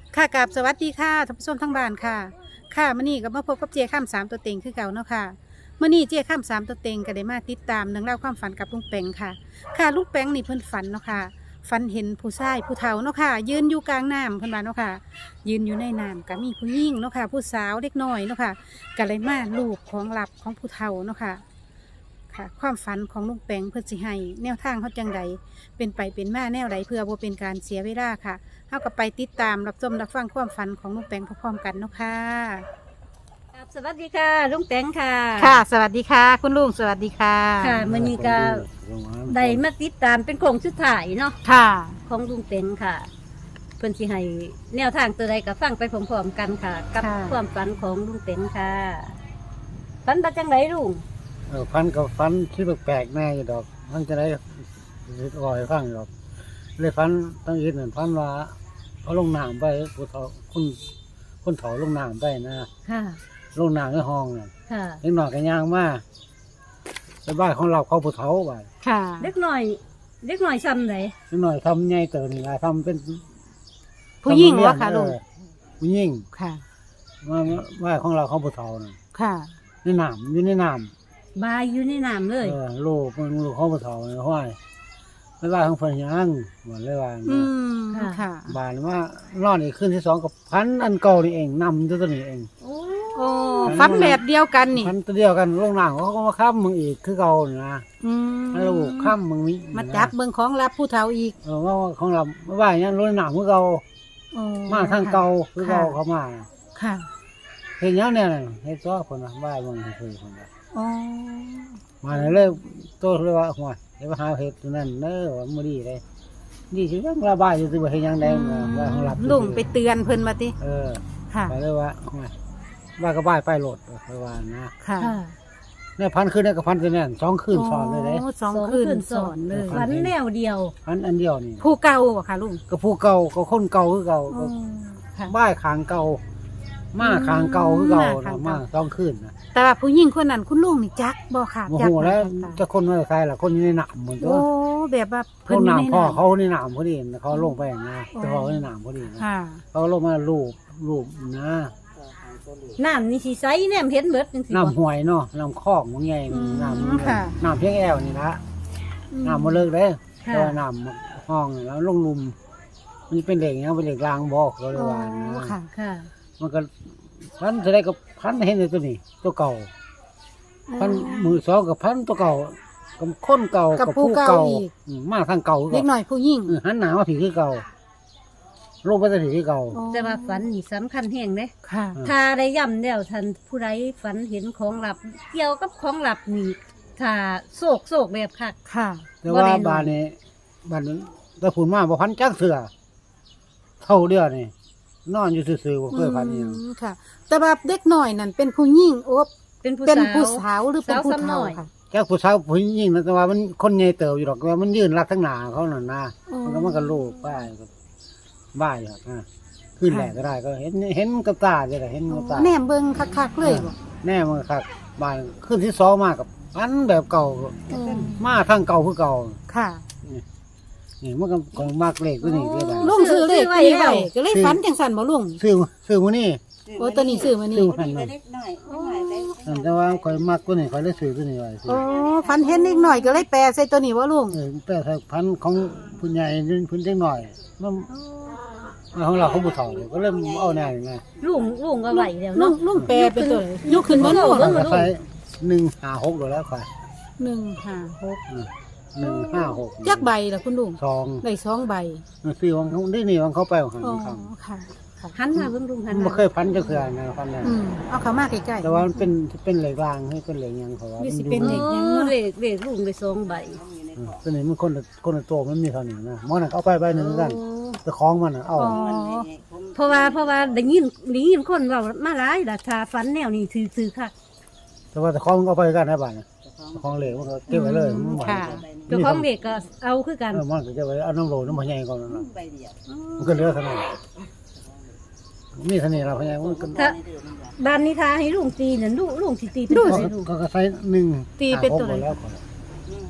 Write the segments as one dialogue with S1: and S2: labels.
S1: ค่ะกราบสวัสดีค่ะท่านผู้ชมทั้งบ้านค่ะค่ะมื้อนี้ก็มาพบกับเจ้าข้ามสามตัวเต็งคือเก่าเนาะค่ะมื้อนี้เจ้าข้ามสามตัวเต็งก็ได้มาติดตามเรื่องราวความฝันกับลุงแปงค่ะค่ะลุงแปงนี่เพิ่นฝันเนาะค่ะฝันเห็นผู้ชายผู้เฒ่าเนาะค่ะยืนอยู่กลางน้ำเพิ่นว่าเนาะค่ะยืนอยู่ในน้ำก็มีผู้หญิงเนาะค่ะผู้สาวเล็กน้อยเนาะค่ะก็เลยมาลูบของลับของผู้เฒ่าเนาะค่ะค่ะ ความฝันของลุงแปงเพิ่นสิให้แนวทางเขาจังใดเป็นไปเป็นมาแนวใดเพื่อบ่เป็นการเสียเวลาค่ะ เท่ากับไปติดตามรับชมรับฟังความฝันของลุงแปงพร้อมๆกันเนาะค่ะ
S2: ครับสวัสดีค่ะลุงแตงค่ะ
S1: ค่ะ สวัสดีค่ะ คุณลุงสวัสดีค่ะ
S2: ค่ะมื้อนี้ก็ได้มาติดตามเป็นโครงสุดท้ายเนาะ
S1: ค่ะ
S2: ของลุงแตงค่ะ เพิ่นสิให้แนวทางตัวใดก็ฟังไปพร้อมๆกันค่ะ กับ
S1: ค่ะ
S2: ความฝันของลุงแตงค่ะฝันว่าจังไดลุง
S3: ฟันกับฟันที่แปลกๆแน่อยู่ดอกมันจะได้ลอยฟังดอกเลยฟันตั้งยินเหมือนฟันว่าเขาลงน้ำไปผู้เฒ่าคนเฒ่าลงน้ำไปนะ
S2: ค่ะ
S3: ลงน้ำในห้องน่ะ
S2: ค่ะ
S3: เล็กหน่อยกันย่างมาไปบ้านของเราเขาผู้เฒ่าไป
S1: ค่ะ
S2: เล็กน้อยซ้ำไหน
S3: เล็กหน่อยทำใหญ่เติมนี่ละทำเป็น
S1: ผู้หญิงวะค่ะลุง
S3: ผู้หญิง
S1: ค่ะ
S3: ว่าบ้านของเราเขาผู้เฒ่าน่ะ
S1: ค่ะ
S3: ในน้ำอยู่ในน้
S2: บายอยู่ในน้ำเลย
S3: ำลูกมันลูกเขาผู้เฒ่าเนี่ยห้อยไปบ้านของเพิ่นยังเหมือนเลยว่า
S1: อืม ค่ะ
S3: บานว่านอนอีกขึ้นที่สองกับพันอันเก่านี่เองนำตัวนี้เอง
S2: โอ้
S1: โอ้ฝันแบบเดียวกันนี่
S3: พันตัวเดียวกันลงหนังเขาก็มาค้ำมึงอีกคือเก่านี่นะ
S1: อืม
S3: แล้วลูกค้ำมึงมี
S1: มาจับเบิ่งของรับผู้เฒ่าอีก
S3: ว่าของเราไม่ว่าอย่างนั้นลงหนังคือเก่า
S1: โอ้
S3: มาทางเก่าคือเก่าเขามา
S1: ค่ะ
S3: เห็นยังเนี่ยเห็นซ้อคนนะว่ามึงคือคนละ
S1: โอ้
S3: มาเลยโตเลยว่าหัวเดี๋ยวหาเห็ดตัวนั้นเน้อว่ามือดีเลยดีสิยังระบายอยู่ตัวเห็นยังแดงว่าของหลับ
S1: ลุงไปเตือนเพิ่นมาติ ค่ะ
S3: ไปเลยว่าว่าก็บ้ายไปโหลดไปว่านะ
S1: ค่ะ
S2: ค่ะ
S3: เนี่ยพันคืนเนี่ยกับพันตัวเนี่ยสองคืนสอนเลยเด้
S1: โสองคืนสอนเลย
S2: ฝันแนวเดียว
S3: พันอันเดียวนี่
S1: ผู้เก่าบ่ค่ะลุง
S3: ก็ผู้เก่าก็คนเก่าคือเก่าก็
S1: ค่ะ
S3: บ้ายขางเก่ามาขางเก่าคือเก่า
S1: มาขาง
S3: นะ
S1: เก่า
S3: มาสองคืนนะ
S1: แต่ว่าผู้หญิงคนนั้นคุณลุงนี่จักบ่ค่ะ
S3: โม
S1: จั
S3: โห
S1: ก
S3: แล้ว
S1: หน้า
S3: จะคนไม่ใครล่ะคนอยู่ในหนามเหมือนตั
S1: โอ้
S3: ว
S1: แบบว่า
S3: เขา
S1: อยู่
S3: หนาม
S1: ใน
S3: พ่อ
S1: น้ำ
S3: เขาในหนามพอดีเขาลงไปนะแต่เขาในหนามพอดีนะ
S1: ค่ะ
S3: เขาลงมาลูบนะ
S2: น้ำนี่สิใสแนมเห็นเบิดจังซี่บ่
S3: น้ำห่วยเนาะน้ำคลองมันใหญ่
S1: อืม
S3: น้ำ
S1: ค่ะ
S3: น้ำเพียงแอวนี่ละน้ำมาเลิกเลย
S2: ค่ะ
S3: แต่ว่าน้ำห้องแล้วลงลุมมันเป็นเหล็กเนี่ยเป็นเหล็กรางบอกเขาเลยว่านะ
S1: ค่ะ
S2: ค่ะ
S3: มันก็พันจะได้กับพันเห็นในตัวนี้ตัวเก่าพันมือสองกับพันตัวเก่ากับคนเก่า
S1: กับ
S3: กับ
S1: ผู้
S3: ผู้
S1: เก่า
S3: เก่า
S1: อีก
S3: มาทางเก่าคือ
S1: เล็ก
S3: เก่า
S1: หน่อยผู้หญิง
S3: หันหนามาผีคือเก่าลงไปจะผีคือเก่า
S2: แต่ว่าฝันนี่สำคัญแห่งเด้
S1: ค่ะ
S2: ถ้าได้ย่ำแล้วท่านผู้ใดฝันเห็นของลับ เกี่ยวกับของลับนี่ถ้าโศกแบบคัก
S1: ค่ะ
S3: แต่ว่า
S2: บ่ได้นอน
S3: บ้านนี้บ้านนั้นตะผุนมาบ่พันจักเสือเท่าเดียวนี่นอนอยู่ซื่อๆบ่เคยพันนี่
S1: ค่ะ แต่ว่าเด็กหน่อยนั่นเป็นผู้หญิงโอ้
S2: เป็นผู้
S1: เป็น
S2: สาว
S1: ผู้สาวหรือเป็นผู้
S2: สาวซ้ำน้
S1: เฒ่า
S2: อย
S1: ค่ะ
S3: จักผู้สาวผู้หญิงนะแต่ว่ามันคนใหญ่เติบอยู่ดอกว่ามันยืนรักทั้งหน้าเขานั่นนะ
S1: อ๋อ
S3: มันก็ลูกป้ายก็บ้ายอยู่นะขึ้นแหลกก็ได้ก็เห็นกับตาเลยแหละเห็นกับตา
S1: แนมเบิ่งคักๆเลยบ่
S3: แน่มันครับบ้านขึ้นที่สองมากับพันแบบเก่า มาทางเก่าคือเก่า
S1: ค่ะ
S3: นี่มันก็ของมากเลขตัวนี้ก็ได้
S1: ลุงซื้อเลขตัวนี้ไว้ก็เลยฝันจังซั่นบ่ลุง
S3: ซื้อมื้อนี้
S1: โอ้ตัวนี้ซื้อมานี่
S3: ซื้อพันนึงแต่ว่าข่อยมักตัวนี้ข่อยเลยซื้อตัวนี้ไว้ซื้
S1: โอ้ฝันเห็นเด็กหน่อยก็เลยแปลใส่ตัวนี้บ่ลุง
S3: แต่ถ้าพันของผู้ใหญ่พื้นเล็กหน่อยมันของเราเขาผู้เฒ่าก็เริ่มเอาแน่ไง
S2: ลุงก็ไหวแล้ว
S1: ลุ
S2: เนาะ
S1: งลุงแปลเป็นตัวไหนยกขึ้นบ่ลุง
S2: เบิ่ง
S3: ก็ใช้156โดยแล้วค่ะ
S1: 156
S3: 156
S1: จักใบล่ะคุณลุง
S3: สอง
S1: ได้2ใบ
S3: ซื้อของเขานี่วังเขาไปของเขา
S1: อ๋อ
S3: ครับ
S1: ค่ะ
S2: หันมาเบิ่งลุงหัน
S3: มัน
S2: มา
S3: บ่เคยพันจะเคยนะพันได้
S1: เอาเข้ามาใกล้ๆ
S3: แต่ว่ามันเป็นเหล็กรางให้เป็นเหล็กยังเขาว่า
S1: นี่สิ
S3: มั
S1: เป็น
S3: ดู
S1: เหล็ก
S2: เลขลุงได้2ใบ
S3: ตัวนี้มันคนละตัวมันมีเท่านี้นะมันเอาไปใบหนึ่งกันแต่ของมันเอา
S1: อ๋อ
S2: เพราะว่าได้ยินคนเว้ามาหลายล่ะถ้าฝันแนวนี้ซื่อๆค่ะ
S3: แต่ว่าแต่ของมันเอาไปกันได้บ้านของเหล็กมันก็เก็บไว้เลยมันหวาน
S1: ค่ะ
S2: เจ้าของเด็กก็เอาคือกัน
S3: มันก็เก็บไว้เอาน้ำโหลน้ำพะไยก่อนนะมันก็เหลือเท่านั้นมีเท่านี้เราพะไยมันก็
S2: ถ้าบ้านนี้ทาให้ลุงตีนั่นลุงสิตีเป็นตัวไหนลุง
S3: ก็ใช้หนึ่ง
S1: ตีเป็นตัวไหน
S3: แล้วก่อน
S2: 156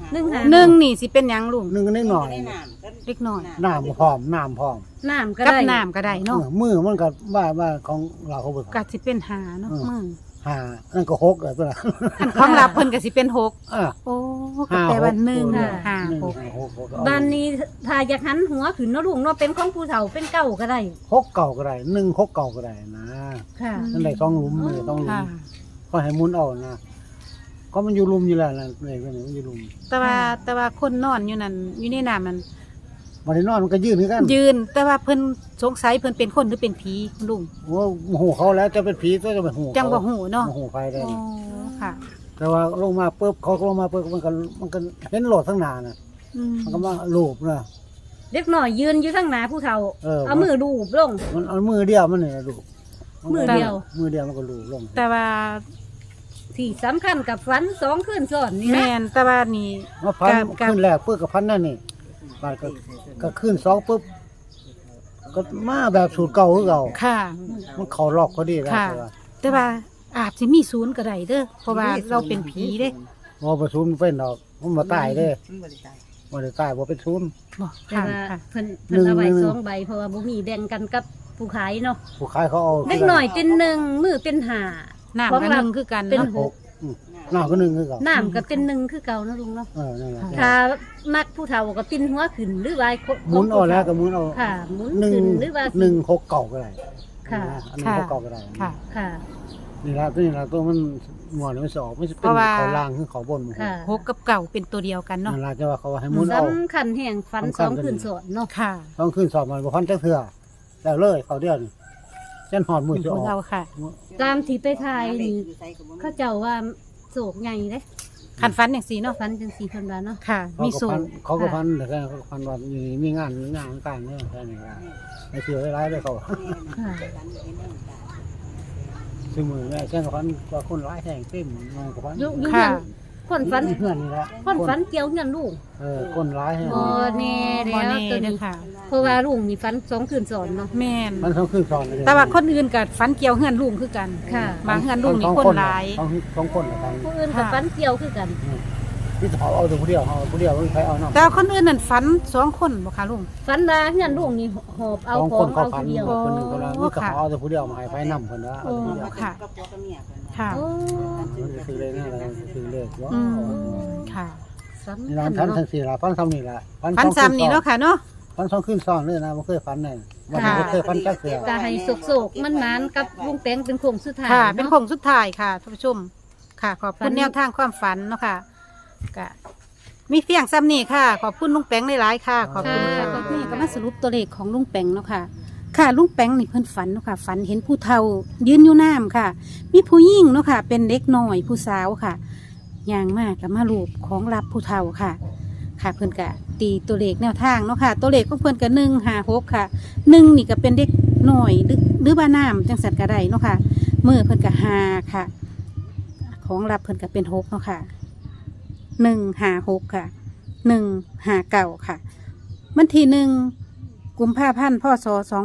S2: 1
S1: หนึ่งนี่สิเป็นหยังลุง
S3: หนึ่งนิดหน่อย
S1: เล็กน้อย
S3: น้ำพร้อมน้ำพร้อม
S2: น้ำก็
S1: กับ
S2: ได้
S1: น้ำก็ได้เนาะ
S3: มือมันก็ว่าของเราเขาบ่
S1: ก็สิเป็นหาเนาะมือ
S3: หานั่นก็หกเลยเพิ่นน่ะ
S1: อันของรับเพิ่นก็สิเป็นหก
S3: อ่ะ
S1: โอ้ก็แปลว่าหนึ่ง
S3: หา
S1: ห้า
S3: หนึ่ง
S1: หก
S3: หก
S2: บ้านนี้ถ้าอยากหันหัวขึ้นเนาะลุงเนาะเป็นของผู้เฒ่าเป็นเก่าก็ได้
S3: หกเก่าก็ได้หนึ่งหกเก่าก็ได้นะ
S2: ค่ะ
S3: นั่นได้ต้องหลุมเลยต้องหลุม
S1: ค่ะ
S3: ก็ให้หมุนเอานะก็มันอยู่หลุมอยู่แล้วนะเลยก็นี่มันอยู่หลุม
S1: แต่ว่าคนนอนอยู่นั่นอยู่ในน้ำนั่น
S3: วันนี้นอนมันก็ยืนคือกัน
S1: ยืน แต่ว่าเพิ่นสงสัยเพิ่นเป็นคนหรือเป็นผีคุณลุง
S3: โอ้โหเขาแล้วจะเป็นผีก็จะเป็นหู
S1: จังบ่ฮู้เนาะ
S3: โหไฟได้
S1: โอ้ค่ะ
S3: แต่ว่าลงมาปุ๊บเขาลงมาปุ๊บมันก็เห็นโหลดทั้งหนาน่ะ
S1: อืม
S3: มันก็มาลูบนะ
S2: เด็กน้อยยืนอยู่ข้างหน้าผู้เฒ่า
S3: เอา
S2: มือลูบลง
S3: มันเอามือเดียวมันเนี่ยลูบ
S2: มือเดียว
S3: มือเดียวมันก็ลูบลง
S1: แต่ว่า
S2: ที่สำคัญกับฝัน2 คืนซ้อนนี่นะ
S1: แม่นแต่ว่านี่
S3: มาพัน
S1: กับ
S3: ขึ้นแรกปุ๊บกับพันนั่นนี่บาดก็ขึ้นสองปุ๊บก็มาแบบสูตรเก่าคือเก่า
S1: ค่ะ
S3: มันเขาล็อกก็ดีแล้ว
S1: ค่ะ
S3: แต่ว่า
S1: แต่ว่าอาจสิมีศูนย์ก็ได้เด้อเพราะว่าเราเป็นผีเด้
S3: บ่ประชุมเป็นดอกมันมาตายเด้บ่ได้ตายบ่เป็นศูนย์
S1: บ่
S2: แต่
S1: ค่ะ
S2: ว่า
S1: ค่ะ
S2: เพิ่นเอาไว้
S3: หนึ่ง
S2: 2 ใบเพราะว่าบ่มีแบ่งกันกับผู้ขายเนาะ
S3: ผู้ขายเขาเอา
S2: เด็กน้อยเป็น1มือเป็น5
S1: น้ำ
S2: ของ
S1: ก็
S2: เรา
S1: หนึ่งคือกัน
S2: เป็น
S1: เนาะ
S3: หกหน้าก็หนึ่งคือเก่า
S2: น้ำก็เป็น1คือเก่าเนาะลุงเนาะ
S3: นั่นแหละ
S2: ถ้ามักผู้เฒ่าก็ปิ้นหัวขึ้นหรือว่า
S3: หมุนเอาแล้วก็หมุนเอา
S2: ค่ะหมุน
S3: หนึ่ง
S2: ขึ้นหรือว่า
S3: หนึ่งหกเก่าก็ได้
S2: ค่ะ
S3: อันนี้หกเก่าก็ได้
S1: ค่ะ
S2: ค่ะ
S3: นี่ละตัวมันงอนมันสอบไม่ใช่
S1: เพ
S3: เป็น
S1: ราะว่า
S3: เขาล่างคือเขาบนมัน
S2: ค่ะ
S1: หกกับเก่าเป็นตัวเดียวกันเนาะ
S3: นั่นละจะว่าเขาให้หมุนเอา
S2: สำคัญแห่งฝัน
S3: สำคัญ
S2: 2 คืนซ้อนเนาะ
S1: ค่ะ
S3: ต้องขึ้นสอบมันบ่พันจักเทื่อแล้วเลยเขาเดียวนี่เส้นหอดมือจะออก
S1: เราค่ะ
S2: ตามที่ไปทายนี่เขาเจ้าว่าโศกใหญ่เด้
S1: คันฟันอย่างสีเนาะ
S2: ฝันจังซี่เพิ่นว่าเนาะ
S1: ค่ะ มีสูง
S3: เขาก็พันแต่แค่เขาก็พันว่าอยู่นี่มีงานต่างเนี่ยแค่นี้ละไอ้เสือร้ายเลยเขา
S2: ค่ะ
S3: ซึ่งมือแม่เช่นกับพันว่าคนร้ายแทงเต็มนอนกับพัน
S2: อยู่
S1: ค่ะ
S2: คนฝัน
S3: เพื่อนนี่ละ
S2: คนฝันเกี่ยวเงินลูก
S3: คนร้ายแทง
S2: บ่แน่
S1: บ่
S2: แล้ว
S1: แน่
S2: ตัว
S1: เด้
S2: นี้
S1: อค่ะ
S2: เพราะว่าลุงมีฝัน2 คืนซ้อนเนาะ
S1: แม่น
S3: มันเขาขึ้นสอนเลย
S1: แต่ว่าคนอื่นกับฟันเกี่ยวเฮือนลุงคือกัน
S2: ค่ะ
S1: บางเฮือนลุงนี่คนหลาย
S3: สองคนละกัน
S2: ผู้อื่นก็ฝันเกี่ยวคือกัน
S3: ที่เขาเอาแต่ผู้เดียวเอาผู้เดียวไม่ใครเอาเนาะ
S1: แต่ว่าคนอื่นนั่นฟัน2 คนบ่คะลุง
S2: ฝันว่าเงินลูกนี่หอบเอา
S3: สอง
S2: ขอ
S3: ค
S2: ง
S3: นเขา
S2: เอา
S3: พัน
S2: ผู้เดียว
S3: คนหนึ่งคนละ
S1: โอ้
S3: นี่ก็
S1: ค่ะ
S3: เอาแต่ผู้เดียวมาให้ไฟนำคนละเอาแต่ผู้เดียว
S1: ค่ะ ค่ะ
S2: โอ้
S3: มันจะซื้อเลยนะอะไรซื้อเลยว่า
S1: อืมค่ะ
S2: สำ
S3: นี่
S2: คั
S3: ร้าน
S2: ญ
S3: ทัน
S2: เนาะ
S3: ทั้งสี่ละพันซ้ำนี่ละ
S1: ฟันซ้ำนี่เนาะค่ะเนาะ
S3: พันสองขึ้นซ้อนเลยนะไม่เคยฟันเลยมัน
S1: ค่ะ
S3: ไม่เคยฟันจักเสือ
S2: ก็ให้โศกๆมันๆกับลุงแตงเป็นโค้งสุดท้าย
S1: ค่ะ เป็น
S2: เนาะ
S1: โค้งสุดท้ายค่ะท่านผู้ชม ค่ะ ขอบ
S2: ฝั
S1: คุณ
S2: น
S1: แนวทางความฝันเนาะค่ะก็มีเพียงซ้ำนี่ค่ะ ขอบคุณลุงแปงหลายๆค่ะ ขอบคุณค่ะก็นี่ก็มาสรุปตัวเลขของลุงแปงเนาะค่ะ ค่ะลุงแปงนี่เพิ่นฝันเนาะค่ะ ฝันเห็นผู้เฒ่า ยืนอยู่น้ำค่ะ มีผู้หญิงเนาะค่ะ เป็นเด็กน้อยผู้สาวค่ะย่างมากกับมาลูบของรับผู้เฒ่าค่ะ ค่ะเพิ่นกะตีตัวเลขแนวทางเนาะค่ะ ตัวเลขของเพิ่นกะ156ค่ะ1นี่ก็เป็นเด็กน้อยหรือว่าน้ำจังสันกะได้เนาะค่ะมือเพิ่นกะ5ค่ะ ของรับเพิ่นกะเป็น6เนาะค่ะ156ค่ะ159ค่ะวันที่1กุมภาพันธ์พศ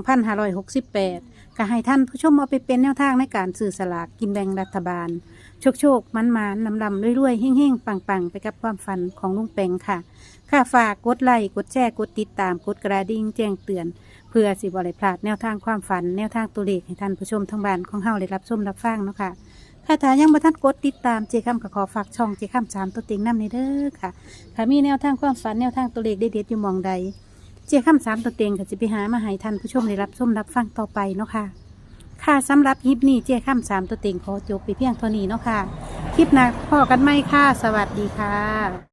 S1: 2568ก็ให้ท่านผู้ชมเอาไปเป็นแนวทางในการสื่อสลากกินแบ่งรัฐบาล โชคมันลำรวยๆเฮ่งๆปังๆไปกับความฝันของลุงแปงค่ะ ค่ะฝากกดไลค์กดแชร์กดติดตามกดกระดิ่งแจ้งเตือน เพื่อสิบริพลาดแนวทางความฝันแนวทางตัวเลขให้ท่านผู้ชมทั้งบ้านของเฮาได้รับชมรับฟังเนาะค่ะค่ะถ้ายังบ่ทันกดติดตามเจคำก็ขอฝากช่องเจคำ3ตัวเต็งนำในเด้อค่ะถ้ามีแนวทางความฝันแนวทางตัวเลขเด็ดๆอยู่หมองใดเจคำ3ตัวเต็งก็จะไปหามาให้ท่านผู้ชมได้รับชมรับฟังต่อไปเนาะค่ะค่ะสำหรับคลิปนี้เจคำ3ตัวเต็งขอจบไปเพียงเท่านี้เนาะค่ะคลิปหน้าพอกันไหมค่ะสวัสดีค่ะ